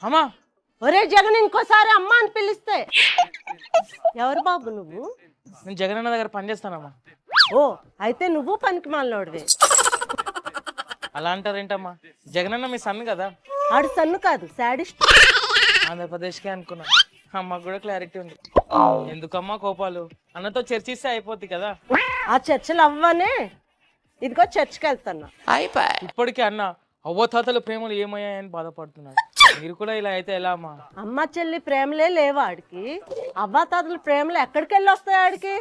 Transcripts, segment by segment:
అమ్మా ఒరే జగన్ ఇంకోసారి అమ్మ అని పిలిస్తే ఎవరు బాబు నువ్వు? నేను జగనన్న దగ్గర పనిచేస్తానమ్మా. ఓ అయితే నువ్వు పనికి మాలినోడివే. అలా అంటారేంటమ్మా? జగనన్న మీ సన్ కదా. ఆడు సన్ను కాదు శాడిస్ట్. ఆంధ్రప్రదేశ్కే అనుకున్నా. అమ్మకు కూడా క్లారిటీ ఉంది. ఎందుకమ్మా కోపాలు? అన్నతో చర్చిస్తే అయిపోద్ది కదా. ఆ చర్చలు అవ్వనే ఇదిగో చర్చికి వెళ్తున్నా. ఇప్పటికే అన్న అవ్వతాతల ప్రేమలు ఏమయ్యాయని బాధపడుతున్నాడు. మీరు కూడా ఇలా అయితే ఎలా అమ్మా? అమ్మ చెల్లి ప్రేమలే లేవు ఆడికి. అవ్వాతాతల ప్రేమలు ఎక్కడికి వెళ్ళి వస్తాయి ఆడికి?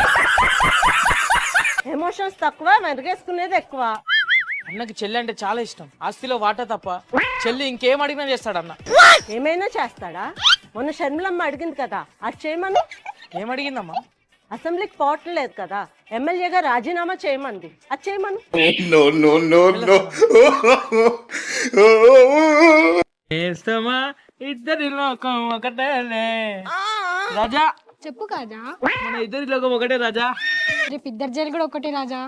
ఎమోషన్స్ తక్కువ, మెరుగేసుకునేది ఎక్కువ. అన్నకి చెల్లి అంటే చాలా ఇష్టం. ఆస్తిలో వాటా తప్ప చెల్లి ఇంకేం అడిగినా చేస్తాడన్న. ఏమైనా చేస్తాడా? మొన్న షర్మిలమ్మ అడిగింది కదా, అది చేయమని. ఏమడిగిందమ్మా? అసెంబ్లీకి పోవటం లేదు కదా, ఎమ్మెల్యేగా రాజీనామా చేయమంది, అది చేయమను. చేస్తామా ఇద్దరి లోకం ఒకటేలే. రాజా చెప్పు కాజా. మన ఇద్దరి లోకం ఒకటే రాజా. రేపు ఇద్దరు జైలు కూడా ఒకటే రాజా.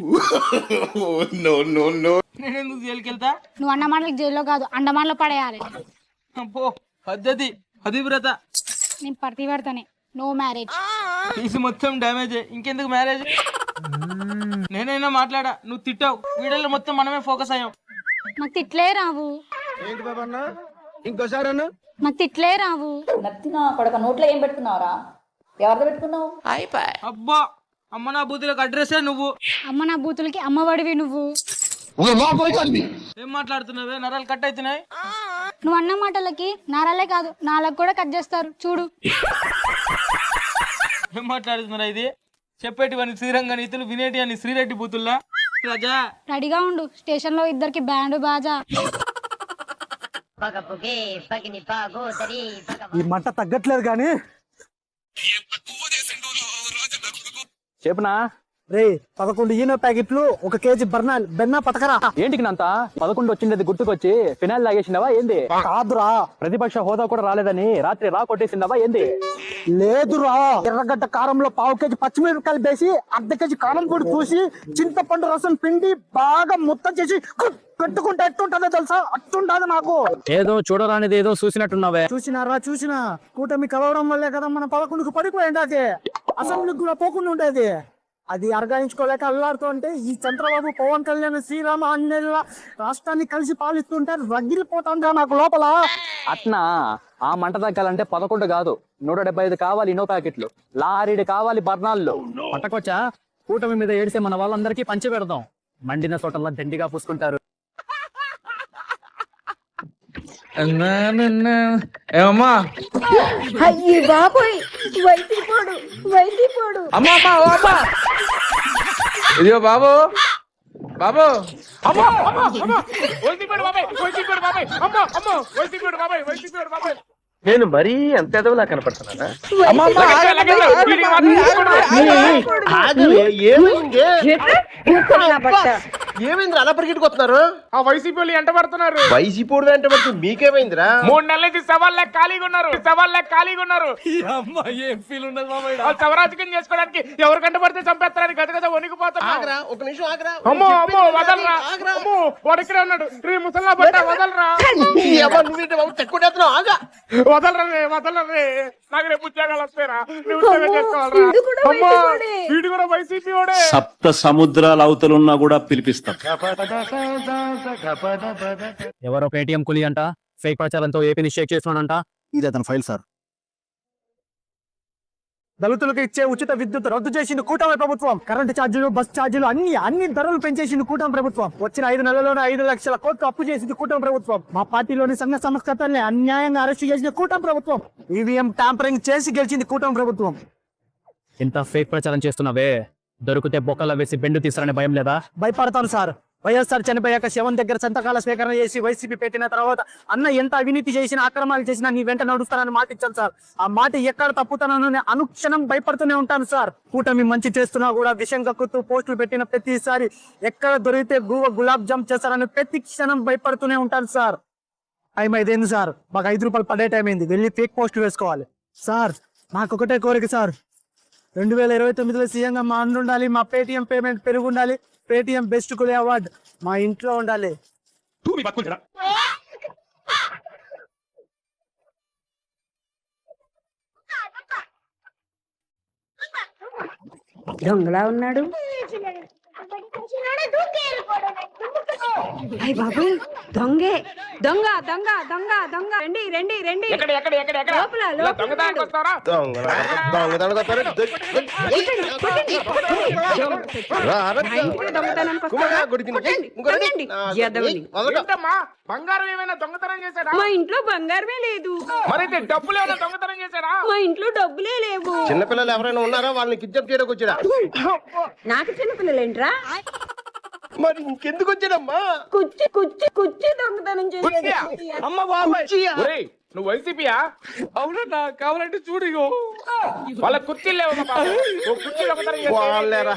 నేను ఎందుకు జైలుకి వెళ్తా? నువ్వు అన్నమాటలకు జైల్లో కాదు అండమాన్లో పడేయాలి. అబ్బో పద్ధతి పతివ్రత. నేను ప్రతి పెడతానే. No marriage. తీసి మొత్తం డ్యామేజ్. ఇంకెందుకు మ్యారేజ్? నేనైనా మాట్లాడా, నువ్వు తిట్టావు. వీడియోలో మొత్తం మనమే ఫోకస్ అయ్యాం. నాకు తిట్లే రావు. నాకు తిట్లే రావు. నత్తినా కొడక నోట్లో ఏం పెట్టుకున్నావురా? ఎవరితో పెట్టుకున్నావు? అబ్బా అమ్మ నా బూతులకు అడ్రస్సే నువ్వు. అమ్మ నా బూతులకి అమ్మఒడివి నువ్వు. ఏం మాట్లాడుతున్నావే? నరాలు కట్ అవుతున్నాయి. నువ్వు అన్న మాటలకి నారాలే కాదు నాలకు కూడా కట్ చేస్తారు చూడు. ఏం మాట్లాడుతున్నారా? ఇది చెప్పేటివని శ్రీరంగ నీతులు, వినేటి అని శ్రీరెడ్డి బూతుల్లా. రాజా రెడీగా ఉండు, స్టేషన్ లో ఇద్దరికి బ్యాండ్ బాజా. ఈ మంట తగ్గట్లేదు కానీ చెప్పనా రే 11 ఈనో ప్యాకెట్లు 1 కేజీ బెన్నా పతకరా. ఏంటికి నంత 11 వచ్చిండేది గుర్తుకొచ్చి ఫినాయిల్ తాగేసిండవా ఏంది? కాదురా, ప్రతిపక్ష హోదా కూడా రాలేదని రాత్రి రా కొట్టేసిండవా ఏంది? లేదురా, ఎర్రగడ్డ కారంలో 1/2 కేజీ పచ్చిమిరపకాయలు వేసి 1/2 కేజీ కారం పొడి పూసి చింతపండు రసం పిండి బాగా ముత్తం చేసి పెట్టుకుంటే ఎట్టుంటదో తెలుసా? అట్టుంటది నాకు. ఏదో చూడరానిది ఏదో చూసినట్టున్నావే. చూసినా కూటమి కలవడం వల్లే కదా మన 11కు పడిపోయింది. అది అసెంబ్లీకి కూడా పోకుండా ఉండేది. అది అర్గాయించుకోలేక అల్లాడుతుంటే ఈ చంద్రబాబు, పవన్ కళ్యాణ్, శ్రీరామ ఆంజనేయుల రాష్ట్రాన్ని కలిసి పాలిస్తుంటే రగిలిపోతుందా నాకు లోపల. అట్నా ఆ మంట తగ్గాలంటే 11 కాదు 175 కావాలి ఇనో ప్యాకెట్లు, లారీడు కావాలి బర్నాల్లో. పట్టకొచ్చా కూటమి మీద ఏడిసే మన వాళ్ళందరికీ పంచి పెడదాం. మండిన చోటల్లా దండిగా పూసుకుంటారు. ఏమమ్మా? అమ్మా అమ్మా ఓ అమ్మా, ఇదిగో బాబు బాబు. నేను మరీ అంత ఎదవలా కనపడుతున్నానా? ఏమైందిరా అలా పరిగెట్టుకొస్తున్నారు? ఆ వైసీపీ వాళ్ళు ఎంట పడుతున్నారు. వైసీపీ వెంట పడుతుంది మీకేమైందిరా? 3 నెలల నుంచి సవాళ్ళ ఖాళీగా ఉన్నారు. ఏం ఫీల్ ఉండదు బాబు. సవరాజకం చేసుకోవడానికి ఎవరు కంట పడితే చంపేస్తారని గత వణికిపోతున్నా. ఆగరా, ఒక నిమిషం ఆగరా. అమ్మో అమ్మో వదలరా. అమ్మో వాడు ఇక్కడే ఉన్నాడు. రే ముసల్లా పట్ట వదలరా. ఆగా వదలరే. నాకు రేపు ఉద్యోగాలు వస్తారా? ఉద్యోగం చేసుకోవాలరా. అమ్మో వీడు కూడా వైసీపీ వాడే. సప్త సముద్రాల అవతలున్నా కూడా పిలిపిస్తాం. ఎవరో పేటిఎం కులి అంట ఫేక్ ప్రచారంతో ఏపీని షేక్ చేస్తున్నాడంట. ఇది అతని ఫైల్ సార్. దళితులకు ఇచ్చే ఉచిత విద్యుత్ రద్దు చేసింది కూటమి ప్రభుత్వం. కరెంటు ఛార్జీలు, బస్ ఛార్జీలు అన్ని ధరలు పెంచేసింది కూటమి ప్రభుత్వం. వచ్చిన 5 నెలల్లోనే 5 లక్షల కోట్లు అప్పు చేసింది కూటమి ప్రభుత్వం. మా పార్టీలోని సంఘ సంస్కర్తల్ని అన్యాయంగా అరెస్ట్ చేసిన కూటమి ప్రభుత్వం. ఈవీఎం ట్యాంపరింగ్ చేసి గెలిచింది కూటమి ప్రభుత్వం. ఇంత ఫేక్ ప్రచారం చేస్తున్నావే, దొరికితే బొక్కల వేసి బెండు తీసారనే భయం లేదా? భయపడతాను సార్. వైఎస్ఆర్ చనిపోయాక శవం దగ్గర సంతకాల స్వీకరణ చేసి వైసీపీ పెట్టిన తర్వాత అన్న ఎంత అవినీతి చేసినా, అక్రమాలు చేసినా నీ వెంట నడుస్తానని మాట ఇచ్చాను సార్. ఆ మాట ఎక్కడ తప్పుతానని అనుక్షణం భయపడుతూనే ఉంటాను సార్. కూటమి మంచి చేస్తున్నా కూడా విషం కక్కుతూ పోస్టులు పెట్టిన ప్రతిసారి ఎక్కడ దొరికితే గులాబ్ జామ్ చేస్తారని ప్రతి క్షణం భయపడుతూనే ఉంటాను సార్. టైం 5 అయింది సార్, మాకు 5 రూపాయలు పడే టైం అయింది. వెళ్ళి ఫేక్ పోస్టులు వేసుకోవాలి సార్. మాకు ఒకటే కోరిక సార్, 2029లో సీఎంగా మా అన్న ఉండాలి. మా పేటిఎం పేమెంట్ పెరుగు ఉండాలి. పేటిఎం బెస్ట్ కులే అవార్డు మా ఇంట్లో ఉండాలి. దొంగలా ఉన్నాడు. అయ్య బాబు, దొంగే, దొంగ దొంగ దొంగ దొంగ, రండి రండి రండి. ఎక్కడ ఎక్కడ ఎక్కడ ఎక్కడ లోపల, ఇలా లోపల దొంగతనానికి వస్తారా? దొంగతనానికి వస్తారు. మా ఇంటికి దొంగతనానికి వస్తారా? కొట్టండి, కొట్టండి, ఎదవని. ఏంటమ్మా బంగారం ఏమైనా దొంగతనం చేశాడా? మా ఇంట్లో బంగారమే లేదు. మరి డబ్బులు ఏమైనా దొంగతనం చేశాడా? మా ఇంట్లో డబ్బులే లేవు. చిన్నపిల్లలు ఎవరైనా ఉన్నారా? వాళ్ళని కిడ్నాప్ చేయడానికి వచ్చాడా? నాకు చిన్నపిల్లలేంట్రా? మరి ఇంకెందుకు వచ్చాడమ్మా? కుచ్చి కుచ్చి కుచ్చి దొంగతనం కుర్చీయా? చేసి అమ్మ బాబాయ్. ఒరేయ్, నువ్వు వైసీపీయా? అవునన్నా, కావాలంటే చూడు ఇగో. వాళ్ళ కుర్చీలు లేవు కుర్చీ దొంగతనం చేస్తే వాళ్ళేరా.